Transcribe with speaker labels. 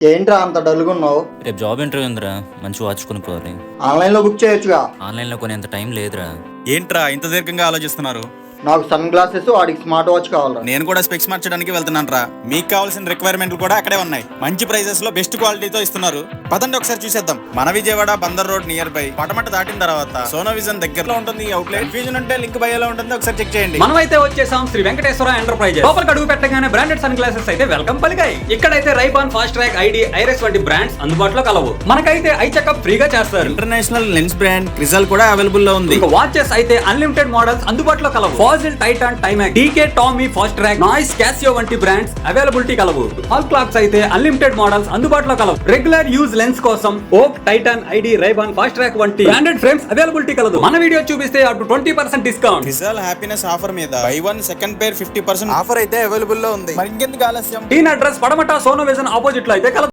Speaker 1: ఏంట్రా అంత డల్గా ఉన్నావు?
Speaker 2: రేపు జాబ్ ఇంటర్వ్యూ ఉందిరా, మంచి వాచ్ కొనుక్కోవాలి.
Speaker 1: ఆన్లైన్ లో బుక్ చేయొచ్చుగా.
Speaker 2: ఆన్లైన్లో కొనేంత టైం లేదురా.
Speaker 3: ఏంట్రా ఇంత దీర్ఘంగా ఆలోచిస్తున్నారు?
Speaker 1: నాకు సన్ గ్లాసెస్, వాడికి స్మార్ట్ వాచ్ కావాలరా.
Speaker 3: నేను కూడా స్పెక్స్ మార్చడానికి వెళ్తున్నాను రా. మీకు కావాల్సిన రిక్వైర్మెంట్లు కూడా అక్కడే ఉన్నాయి. మంచి ప్రైజెస్ లో బెస్ట్ క్వాలిటీతో ఇస్తున్నారు. పదండి ఒకసారి చూసేద్దాం. మన Vijayawada Bandar road near by Patamata దాటిన తర్వాత సోనో విజన్ దగ్గరలో ఉంటుంది ఈ అవుట్లెట్. కన్ఫ్యూజన్ ఉంటే లింక్ బయోలో ఉంటుంది, ఒకసారి చెక్ చేయండి.
Speaker 4: మనమైతే వచ్చేసాం శ్రీ వెంకటేశ్వర ఎంటర్ప్రైజెస్. లోపలికి అడుగు పెట్టగానే బ్రాండెడ్ సన్ గ్లాసెస్ అయితే వెల్కమ్ పలికాయి. ఇక్కడైతే Rayban, Fastrack, ID, Iris వంటి బ్రాండ్స్ అందుబాటులో కలవు. మనకైతే ఐ చెకప్ ఫ్రీగా చేస్తారు.
Speaker 3: ఇంటర్నేషనల్ లెన్స్ బ్రాండ్ క్రిజల్ కూడా అవైలబుల్ లో ఉంది.
Speaker 4: ఇంకా వాచెస్ అయితే అన్లిమిటెడ్ మోడల్స్ అందుబాటులో కలవు. Fossil, Titan, Timex, DK, Tommy, Fastrack, Noise, Casio వంటి బ్రాండ్స్ అవైలబిలిటీ కలవు. హాల్ క్లాక్స్ అయితే అన్లిమిటెడ్ మోడల్స్ అందుబాటులో కలవు. రెగ్యులర్ యూజ్ లెన్స్ కోసం Oak, Titan, ID, Rayban, fast track వంటి బ్రాండెడ్ ఫ్రేమ్స్ అవైలబిలిటీ కలదు. మన వీడియో చూపిస్తే అటు 20% డిస్కౌంట్.
Speaker 3: క్రిజల్ హ్యాపీనెస్ ఆఫర్ మీద బై 1 సెకండ్ పేర్ 50% ఆఫర్ అయితే అవైలబుల్ లో ఉంది. మరి ఇంకెందుకు ఆలస్యం?
Speaker 4: టీన్ address Patamata Sono Vision opposite లో అయితే కలదు.